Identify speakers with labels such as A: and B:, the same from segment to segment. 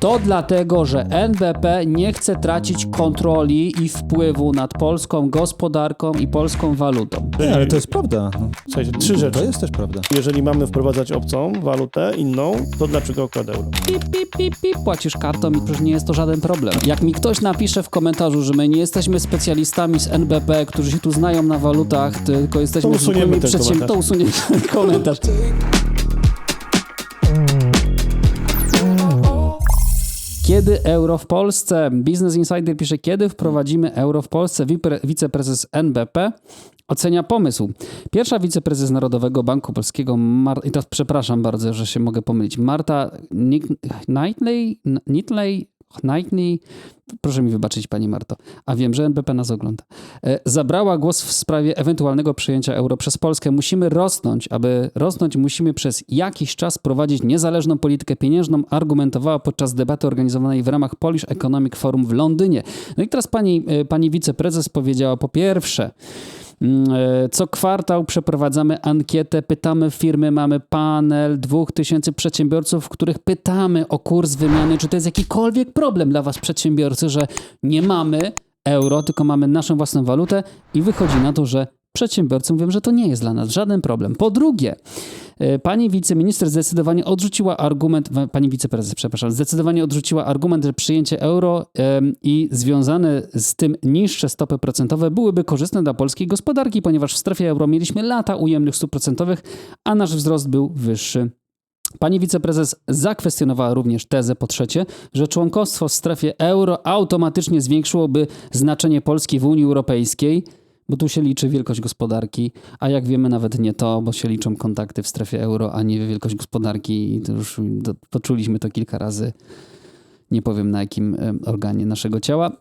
A: To dlatego, że NBP nie chce tracić kontroli i wpływu nad polską gospodarką i polską walutą.
B: Nie, ale to jest prawda. No.
C: Słuchajcie, 3 rzeczy.
B: To jest też prawda.
C: Jeżeli mamy wprowadzać obcą walutę, inną, to dlaczego akurat euro?
A: Pip, pip, pip, pip, płacisz kartą i przecież nie jest to żaden problem. Jak mi ktoś napisze w komentarzu, że my nie jesteśmy specjalistami z NBP, którzy się tu znają na walutach, tylko jesteśmy
C: To usuniemy ten komentarz.
A: to usuniemy ten komentarz. Kiedy euro w Polsce? Business Insider pisze, kiedy wprowadzimy euro w Polsce? Wiceprezes NBP ocenia pomysł. Pierwsza wiceprezes Narodowego Banku Polskiego, i teraz przepraszam bardzo, że się mogę pomylić, Marta Knightley, proszę mi wybaczyć pani Marto, a wiem, że NBP nas ogląda, zabrała głos w sprawie ewentualnego przyjęcia euro przez Polskę. Musimy rosnąć. Aby rosnąć, musimy przez jakiś czas prowadzić niezależną politykę pieniężną, argumentowała podczas debaty organizowanej w ramach Polish Economic Forum w Londynie. No i teraz pani wiceprezes powiedziała, po pierwsze, co kwartał przeprowadzamy ankietę, pytamy firmy, mamy panel 2000 przedsiębiorców, których pytamy o kurs wymiany, czy to jest jakikolwiek problem dla was przedsiębiorcy, że nie mamy euro, tylko mamy naszą własną walutę i wychodzi na to, że przedsiębiorcy mówią, że to nie jest dla nas żaden problem. Po drugie, pani wiceminister zdecydowanie odrzuciła argument, pani wiceprezes, przepraszam, zdecydowanie odrzuciła argument, że przyjęcie euro i związane z tym niższe stopy procentowe byłyby korzystne dla polskiej gospodarki, ponieważ w strefie euro mieliśmy lata ujemnych stóp procentowych, a nasz wzrost był wyższy. Pani wiceprezes zakwestionowała również tezę, po trzecie, że członkostwo w strefie euro automatycznie zwiększyłoby znaczenie Polski w Unii Europejskiej, bo tu się liczy wielkość gospodarki, a jak wiemy nawet nie to, bo się liczą kontakty w strefie euro, a nie wielkość gospodarki i to już poczuliśmy to kilka razy. Nie powiem na jakim organie naszego ciała.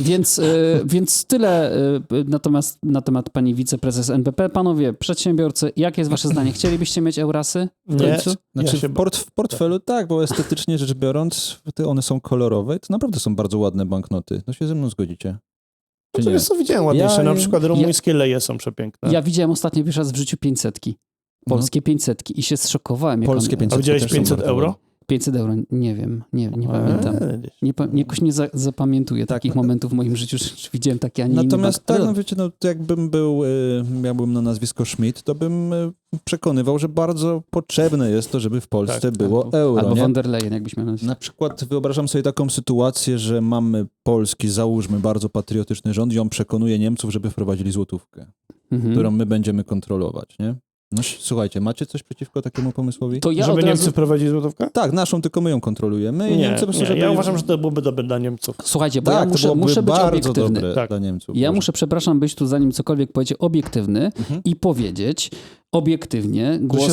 A: Więc tyle na temat pani wiceprezes NBP. Panowie, przedsiębiorcy, jakie jest wasze zdanie? Chcielibyście mieć Eurasy w końcu?
B: Znaczy w portfelu tak, bo estetycznie rzecz biorąc, one są kolorowe i to naprawdę są bardzo ładne banknoty. No się ze mną zgodzicie.
C: No to jest, co widziałem ładniejsze. Na przykład rumuńskie leje są przepiękne.
A: Ja widziałem ostatnio pierwszy raz w życiu 500. Polskie 500 i się zszokowałem.
B: Polskie 500.
C: A widziałeś 500 euro?
A: 500 euro, nie wiem, nie pamiętam. Jakoś nie zapamiętuję takich momentów w moim życiu, że widziałem takie, a nie
B: Natomiast
A: inny
B: tak, no wiecie, no to jakbym miałbym na nazwisko Schmidt, to bym przekonywał, że bardzo potrzebne jest to, żeby w Polsce było euro.
A: Albo
B: nie?
A: von der Leyen, jakbyś miał
B: Na przykład wyobrażam sobie taką sytuację, że mamy polski, załóżmy, bardzo patriotyczny rząd i on przekonuje Niemców, żeby wprowadzili złotówkę, którą my będziemy kontrolować, nie? No słuchajcie, macie coś przeciwko takiemu pomysłowi?
A: To ja
C: żeby Niemcy wprowadzili złotówkę?
B: Tak, naszą tylko my ją kontrolujemy i Niemcy po prostu, żeby...
C: Ja uważam, że to byłoby dobre dla Niemców.
A: Słuchajcie, bo
B: tak,
A: ja muszę być
B: bardzo
A: obiektywny.
B: dobre dla Niemców.
A: Ja muszę, przepraszam, być tu zanim cokolwiek powiedzieć, obiektywny i powiedzieć obiektywnie, głos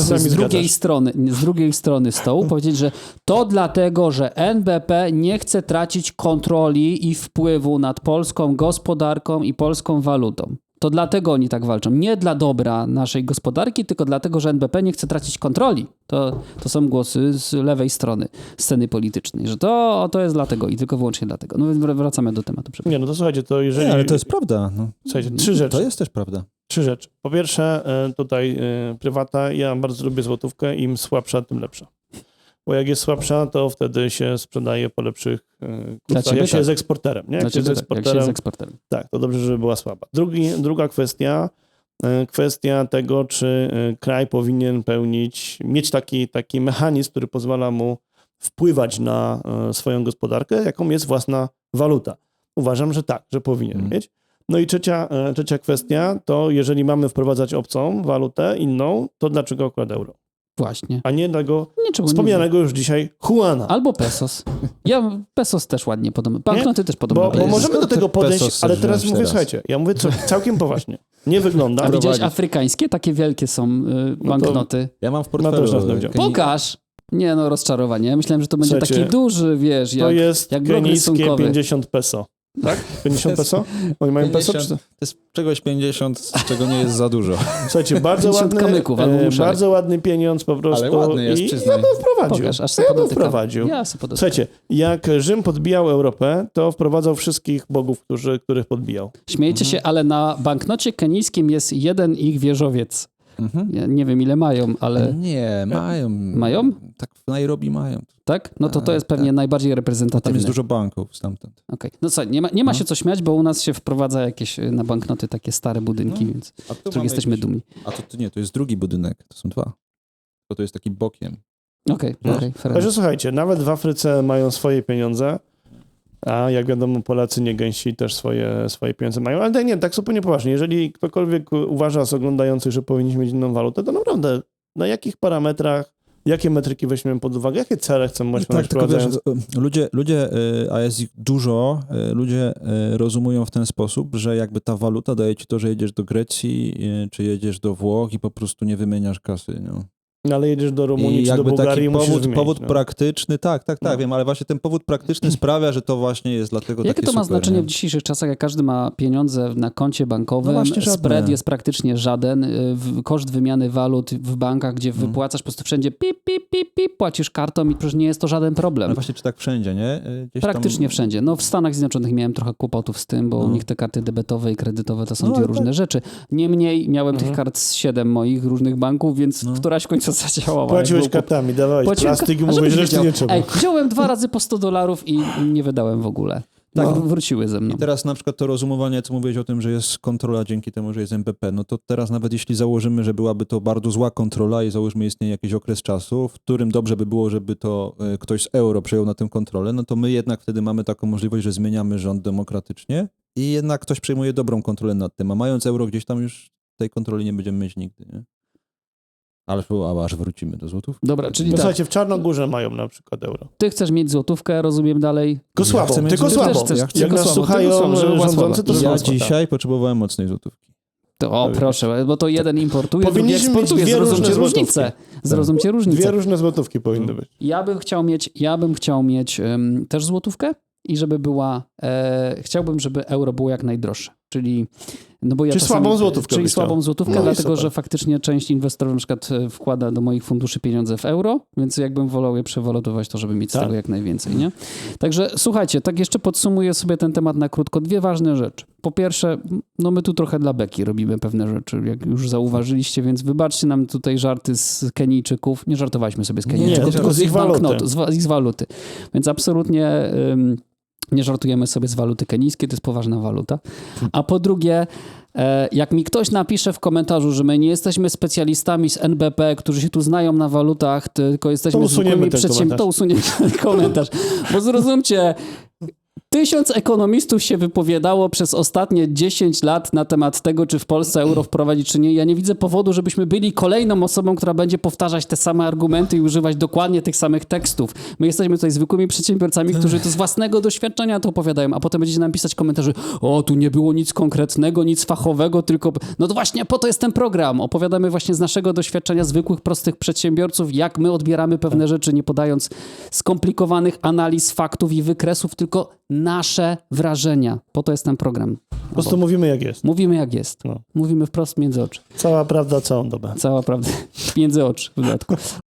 A: z drugiej strony stołu, powiedzieć, że to dlatego, że NBP nie chce tracić kontroli i wpływu nad polską gospodarką i polską walutą. To dlatego oni tak walczą. Nie dla dobra naszej gospodarki, tylko dlatego, że NBP nie chce tracić kontroli. To są głosy z lewej strony sceny politycznej, że to jest dlatego i tylko wyłącznie dlatego. No więc wracamy do tematu.
C: Nie, no to słuchajcie, to jeżeli...
B: Nie, ale to jest prawda. No.
C: Słuchajcie, 3 rzeczy.
B: To jest też prawda.
C: 3 rzeczy. Po pierwsze, tutaj prywata. Ja bardzo lubię złotówkę. Im słabsza, tym lepsza. Bo jak jest słabsza, to wtedy się sprzedaje po lepszych kursach. Jak się jest eksporterem. Nie? Jak się jest eksporterem. Tak, to dobrze, żeby była słaba. Druga kwestia tego, czy kraj powinien mieć taki mechanizm, który pozwala mu wpływać na swoją gospodarkę, jaką jest własna waluta. Uważam, że tak, że powinien mieć. No i trzecia kwestia, to jeżeli mamy wprowadzać obcą walutę, inną, to dlaczego akurat euro?
A: Właśnie.
C: A nie tego wspomnianego już dzisiaj Juana.
A: Albo pesos. Ja pesos też ładnie podoba. Banknoty też podobno.
C: Bo możemy do tego podejść, ale teraz mówię, słuchajcie, ja mówię całkiem poważnie. Nie wygląda.
A: A widziałeś afrykańskie? Takie wielkie są banknoty.
B: Ja mam w portfelu.
A: Pokaż! Nie no, rozczarowanie. Ja myślałem, że to będzie taki duży, wiesz,
C: to jest
A: jak
C: kenijskie 50 peso. Tak? 50 peso? Oni mają
B: 50,
C: peso?
B: To jest czegoś 50, z czego nie jest za dużo.
C: Słuchajcie, bardzo ładny pieniądz po prostu.
B: Ale ładny jest, przyznaj.
C: Ja bym wprowadził.
A: Pokaż, aż sobie
C: wprowadził. Słuchajcie, jak Rzym podbijał Europę, to wprowadzał wszystkich bogów, których podbijał.
A: Śmiejcie się, ale na banknocie kenijskim jest jeden ich wieżowiec. Ja nie wiem, ile mają, ale...
B: Nie, mają.
A: Mają?
B: Tak, w Nairobi mają.
A: Tak? No to jest pewnie najbardziej reprezentatywne.
B: Tam jest dużo banków stamtąd.
A: Okej. No co, nie ma się co śmiać, bo u nas się wprowadza jakieś na banknoty takie stare budynki, więc
B: A
A: z których jesteśmy
B: jakiś...
A: dumni.
B: A to nie, to jest drugi budynek, to są dwa. Bo to jest taki bokiem.
A: Okej,
C: Także słuchajcie, nawet w Afryce mają swoje pieniądze, a jak wiadomo Polacy nie gęsi też swoje pieniądze mają. Ale nie, tak zupełnie poważnie. Jeżeli ktokolwiek uważa z oglądających, że powinniśmy mieć inną walutę, to naprawdę na jakich parametrach, jakie metryki weźmiemy pod uwagę, jakie cele chcemy osiągnąć wprowadzając?
B: Ludzie, a jest ich dużo, ludzie rozumują w ten sposób, że jakby ta waluta daje ci to, że jedziesz do Grecji, czy jedziesz do Włoch i po prostu nie wymieniasz kasy. No.
C: Ale jedziesz do Rumunii
B: I
C: czy do
B: jakby
C: Bułgarii,
B: taki
C: musisz wymienić,
B: powód
C: no.
B: praktyczny, tak,
C: No.
B: wiem, ale właśnie ten powód praktyczny sprawia, że to właśnie jest dlatego
A: Jakie
B: takie
A: to ma
B: super,
A: znaczenie
B: nie?
A: w dzisiejszych czasach, jak każdy ma pieniądze na koncie bankowym,
B: No właśnie żadne.
A: spread jest praktycznie żaden, koszt wymiany walut w bankach, gdzie
B: Mhm.
A: wypłacasz po prostu wszędzie pip, płacisz kartą i przecież nie jest to żaden problem.
B: No właśnie, czy tak wszędzie, nie? Gdzieś
A: Praktycznie
B: tam...
A: wszędzie. No w Stanach Zjednoczonych miałem trochę kłopotów z tym, bo u nich te karty debetowe i kredytowe to są dwie
B: ale
A: różne rzeczy. Niemniej miałem tych kart z 7 moich różnych banków, więc któraś w końcu zadziałała.
C: Płaciłeś kartami, dawałeś plastik i mówisz, reszty nie trzeba.
A: Ej, wziąłem 2 razy po $100 i nie wydałem w ogóle.
B: Tak.
A: No, wróciły ze mną.
B: I teraz na przykład to rozumowanie, co mówiłeś o tym, że jest kontrola dzięki temu, że jest MPP, no to teraz nawet jeśli założymy, że byłaby to bardzo zła kontrola i załóżmy istnieje jakiś okres czasu, w którym dobrze by było, żeby to ktoś z euro przejął na tę kontrolę, no to my jednak wtedy mamy taką możliwość, że zmieniamy rząd demokratycznie i jednak ktoś przejmuje dobrą kontrolę nad tym, a mając euro gdzieś tam już tej kontroli nie będziemy mieć nigdy, nie? Ale aż wrócimy do złotów.
A: Dobra, czyli
C: No
A: tak,
C: słuchajcie, w Czarnogórze mają na przykład euro.
A: ty chcesz mieć złotówkę, rozumiem dalej.
C: Tylko słabo,
B: chcę mieć
C: tylko
B: złotówkę.
C: słabo.
A: Ty też chcesz,
C: Jak
A: tylko
C: nas
A: słabo,
C: słuchają
A: tylko słabo, żeby była
C: rządzący, to
A: słaba.
B: Ja
C: słabo.
B: dzisiaj potrzebowałem mocnej złotówki.
A: To, proszę, bo to jeden importuje, drugi
C: Powinniśmy mieć
A: eksportuje.
C: dwie różne
A: Zrozumcie
C: złotówki.
A: różnicę. Zrozumcie różnicę.
C: Dwie różne złotówki powinny być.
A: Ja bym chciał mieć też złotówkę i żeby była, chciałbym, żeby euro było jak najdroższe. Czyli, no bo ja
C: Czyli
A: czasami,
C: słabą złotówkę
A: Czyli
C: byś chciał.
A: słabą złotówkę,
C: No i
A: dlatego
C: super.
A: że faktycznie część inwestorów na przykład wkłada do moich funduszy pieniądze w euro, więc jakbym wolał je przewalutować, to żeby mieć z
C: Tak.
A: tego jak najwięcej, nie? Także słuchajcie, tak jeszcze podsumuję sobie ten temat na krótko. 2 ważne rzeczy. Po pierwsze, no my tu trochę dla beki robimy pewne rzeczy, jak już zauważyliście, więc wybaczcie nam tutaj żarty z Kenijczyków. Nie żartowaliśmy sobie z Kenijczyków,
C: Nie,
A: tylko z ich
C: waluty.
A: banknotu, z ich waluty. Więc absolutnie nie żartujemy sobie z waluty kenijskiej, to jest poważna waluta. A po drugie, jak mi ktoś napisze w komentarzu, że my nie jesteśmy specjalistami z NBP, którzy się tu znają na walutach, tylko jesteśmy
C: To usuniemy
A: zwykłymi
C: ten
A: przedsiębiorcami, to usuniemy ten komentarz. Bo zrozumcie, 1000 ekonomistów się wypowiadało przez ostatnie 10 lat na temat tego, czy w Polsce euro wprowadzić, czy nie. Ja nie widzę powodu, żebyśmy byli kolejną osobą, która będzie powtarzać te same argumenty i używać dokładnie tych samych tekstów. My jesteśmy tutaj zwykłymi przedsiębiorcami, którzy to z własnego doświadczenia to opowiadają, a potem będziecie nam pisać komentarze, o, tu nie było nic konkretnego, nic fachowego, tylko... No to właśnie po to jest ten program. Opowiadamy właśnie z naszego doświadczenia zwykłych, prostych przedsiębiorców, jak my odbieramy pewne rzeczy, nie podając skomplikowanych analiz, faktów i wykresów, tylko nasze wrażenia. Po to jest ten program.
C: Po prostu mówimy jak jest.
A: Mówimy jak jest.
C: No.
A: Mówimy wprost między oczy.
C: Cała prawda, całą dobę.
A: Cała prawda. Między oczy w dodatku.